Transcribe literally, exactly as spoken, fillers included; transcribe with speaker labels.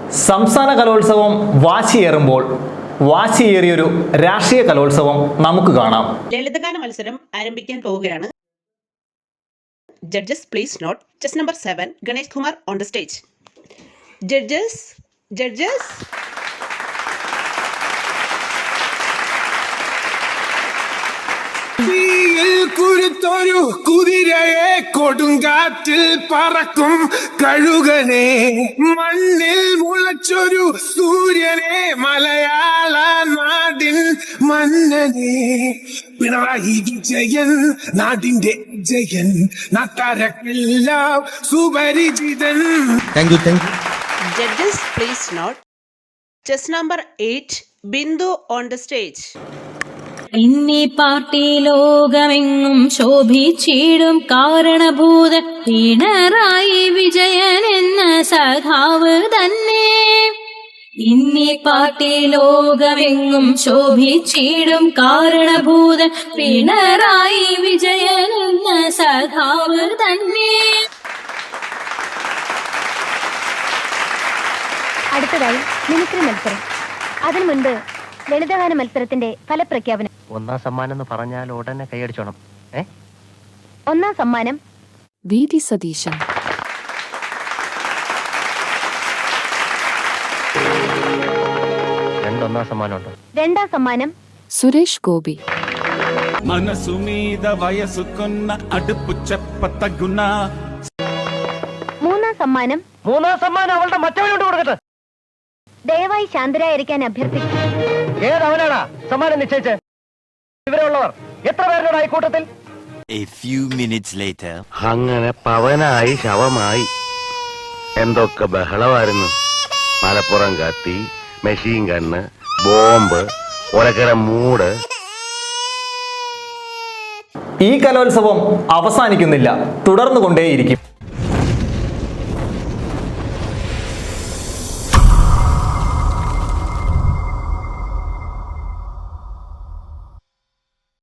Speaker 1: സംസ്ഥാന കലോത്സവം വാശിയേറുമ്പോൾ വാശിയേറിയൊരു രാഷ്ട്രീയ കലോത്സവം നമുക്ക് കാണാം.
Speaker 2: ലളിതഗാന മത്സരം ആരംഭിക്കാൻ പോവുകയാണ്. Judges please note chest number seven Ganesh Kumar on the stage. Judges judges
Speaker 3: കുരുത്തൊരു കുതിരയെ കൊടുങ്കാറ്റിൽ പറക്കും കഴുകനെ, മണ്ണിൽ മുളച്ചൊരു സൂര്യനെ, മലയാള നാടിൻ മന്നനെ, പിണറായി വിജയൻ നാടിന്റെ ജയൻ, നാട്ടാരക്കെല്ലാം സുപരിചിതൻ.
Speaker 4: Thank you thank you.
Speaker 2: Judges please note chest number eight Bindu on the stage.
Speaker 5: ഇന്നീ പാർട്ടി ലോകമെങ്ങും ശോഭിച്ചിടും കാരണഭൂതൻ പിണറായി വിജയൻ എന്ന സഖാവ് തന്നെ. ഇന്നീ പാർട്ടി ലോകമെങ്ങും ശോഭിച്ചിടും കാരണഭൂതൻ പിണറായി വിജയൻ എന്ന സഖാവ് തന്നെ.
Speaker 6: അടുത്തതായി മിമിക്രി മത്സരം. അതിനു മുൻപ് ലളിതഗാന മത്സരത്തിന്റെ ഫലപ്രഖ്യാപനം.
Speaker 7: ഒന്നാം സമ്മാനം എന്ന് പറഞ്ഞാൽ ഉടനെ കൈയടിച്ചോണം. ഏ
Speaker 6: ഒന്നാം സമ്മാനം
Speaker 8: വി ഡി സതീശൻ.
Speaker 7: രണ്ടൊന്നാം സമ്മാനമുണ്ട്.
Speaker 6: രണ്ടാം സമ്മാനം
Speaker 8: സുരേഷ് ഗോപി.
Speaker 3: మనసు మీద వయసుకున్న అడుపు చెప్పతగున.
Speaker 6: മൂന്നാം സമ്മാനം
Speaker 7: മൂന്നാം സമ്മാനം അവളുടെ മറ്റവനോട് കൊടുക്കട്ടെ.
Speaker 6: ദയവായി ശാന്തരായിരിക്കാൻ അഭ്യർത്ഥിക്കുന്നു.
Speaker 7: ഏതവനാടാ സമ്മാനം നിശ്ചയിച്ച്? ഇവരുള്ളവർ എത്ര പേരുടെ കൂട്ടത്തിൽ?
Speaker 9: A few minutes later.
Speaker 10: അങ്ങനെ പവനായി ശവമായി. എന്തൊക്കെ ബഹളമായിരുന്നു. മലപ്പുറം കത്തി, മെഷീൻ ഗണ്ണ്, ബോംബ്, ഒലക്കര മൂട്.
Speaker 1: ഈ കലോത്സവം അവസാനിക്കുന്നില്ല, തുടർന്നുകൊണ്ടേയിരിക്കും.